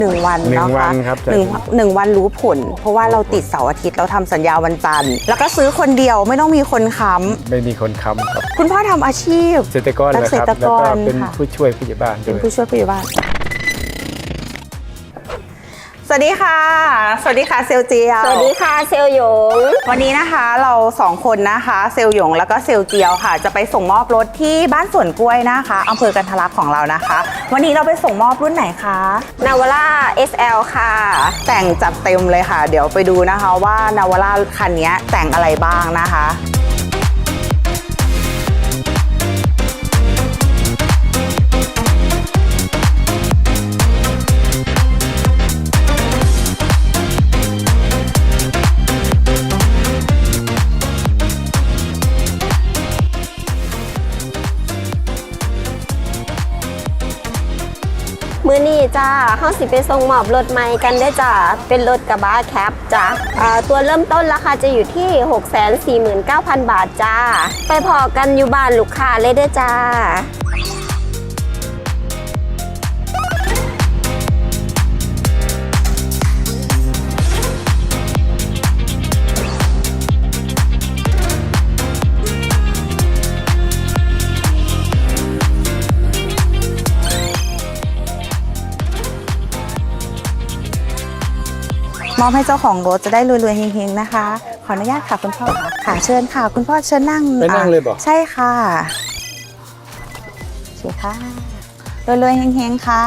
1 วันเนาะคะหนึ่งวันรู้ผลเพราะว่าเราติดเสาร์อาทิตย์เราทำสัญญาวันจันทร์แล้วก็ซื้อคนเดียวไม่ต้องมีคนค้ำไม่มีคนค้ำครับคุณพ่อทำอาชีพเกษตรกรเลยครับแล้วก็เป็นผู้ช่วยผู้ใหญ่บ้านด้วยเป็นผู้ช่วยผู้ใหญ่บ้านสวัสดีค่ะสวัสดีค่ะเซลเจียวสวัสดีค่ะเซลหยงวันนี้นะคะเรา2คนนะคะเซลหยงแล้วก็เซลเจียวค่ะจะไปส่งมอบรถที่บ้านสวนกล้วยนะคะอำเภอกันทรลักษณ์ของเรานะคะวันนี้เราไปส่งมอบรุ่นไหนคะนาวาร่า SL ค่ะแต่งจัดเต็มเลยค่ะเดี๋ยวไปดูนะคะว่านาวาร่าคันนี้แต่งอะไรบ้างนะคะมื้อนี้จ้าเขาสิไปส่งมอบรถใหม่กันได้จ้าเป็นรถกระบะแคปจ้าตัวเริ่มต้นราคาจะอยู่ที่ 649,000 บาทจ้าไปพอกันอยู่บ้านลูกค้าเลยได้จ้ามอบให้เจ้าของรถจะได้รวยๆเฮงๆนะคะขออนุญาตค่ะคุณพ่อค่ะเชิญค่ะคุณพ่อเชิญนั่งไปนั่งเลยบอกใช่ค่ะโอเคค่ะรวยๆเฮงๆค่ะ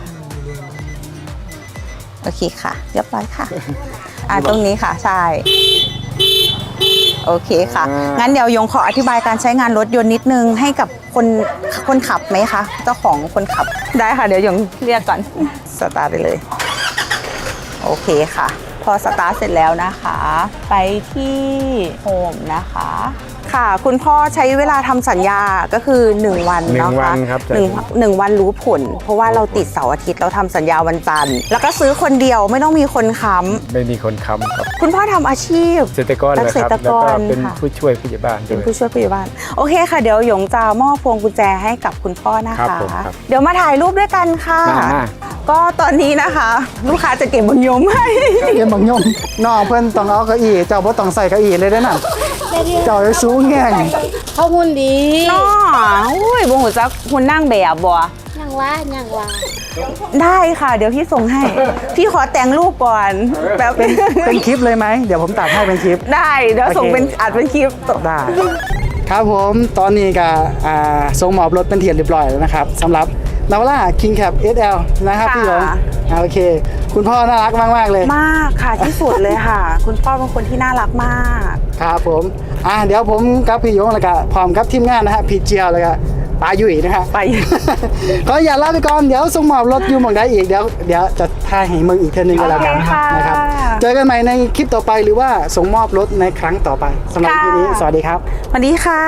โอเคค่ะเรียบร้อยค่ะตรงนี้ค่ะใช่โอเคค่ะงั้นเดี๋ยวยงขออธิบายการใช้งานรถยนต์นิดนึงให้กับคนขับไหมคะเจ้าของคนขับได้ค่ะเดี๋ยวยงเรียกก่อนสตาร์ทไปเลยโอเคค่ะพอสตาร์ทเสร็จแล้วนะคะไปที่โฮมนะคะค่ะคุณพ่อใช้เวลาทำสัญญาก็คือ1 วันเนาะคะหนึ่งวันรู้ผลเพราะว่าเราติดเสาร์อาทิตย์เราทำสัญญาวันจันทร์แล้วก็ซื้อคนเดียวไม่ต้องมีคนค้ำไม่มีคนค้ำครับคุณพ่อทำอาชีพเกษตรกรเลยครับแล้วก็เป็นผู้ช่วยผู้ใหญ่บ้านด้วยเป็นผู้ช่วยผู้ใหญ่บ้านโอเคค่ะเดี๋ยวหยงจะมอบพวงกุญแจให้กับคุณพ่อนะคะเดี๋ยวมาถ่ายรูปด้วยกันค่ะก็ตอนนี้นะคะลูกค้าจะเก็บบังยมให้เก็บบังยมน้องเพื่อนต้องเอาเก้าอี้เจ้าบ่ต้องใส่เก้าอี้เลยได้น่ะเจ้าจะสูงแง่งเขาหุ่นดีน้ออุ้ยบ่หูจักหุ่นนั่งแบบบ่ยังว่าได้ค่ะเดี๋ยวพี่ส่งให้พี่ขอแต่งรูปก่อนแบบเป็นคลิปเลยไหมเดี๋ยวผมตัดให้เป็นคลิปได้เดี๋ยวส่งเป็นอัดเป็นคลิปได้ครับผมตอนนี้ก็ส่งมอบรถเป็นที่เรียบร้อยแล้วนะครับสำหรับนาวาร่า King Cap SL นะครับพี่หยงโอเคคุณพ่อน่ารักมากเลยมากค่ะที่สุดเลยค่ะคุณพ่อเป็นคนที่น่ารักมากครับผมเดี๋ยวผมกับพี่หยงแล้วก็พร้อมกับทีมงานนะฮะพี่เจียวแล้วก็ปายุ่ยนะฮะไปก็อย่าลาไปก่อนเดี๋ยวส่งมอบรถอยู่หม่องใดอีกเดี๋ยวจะถ่ายให้มึงอีกเท่านึงก็แล้วกันนะครับเจอกันใหม่ในคลิปต่อไปหรือว่าส่งมอบรถในครั้งต่อไปสำหรับที่นี้สวัสดีครับสวัสดีค่ะ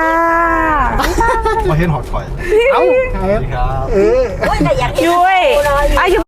มาเห็นหอดคอยเอ้าสวัสดีครับแต่อยากช่วย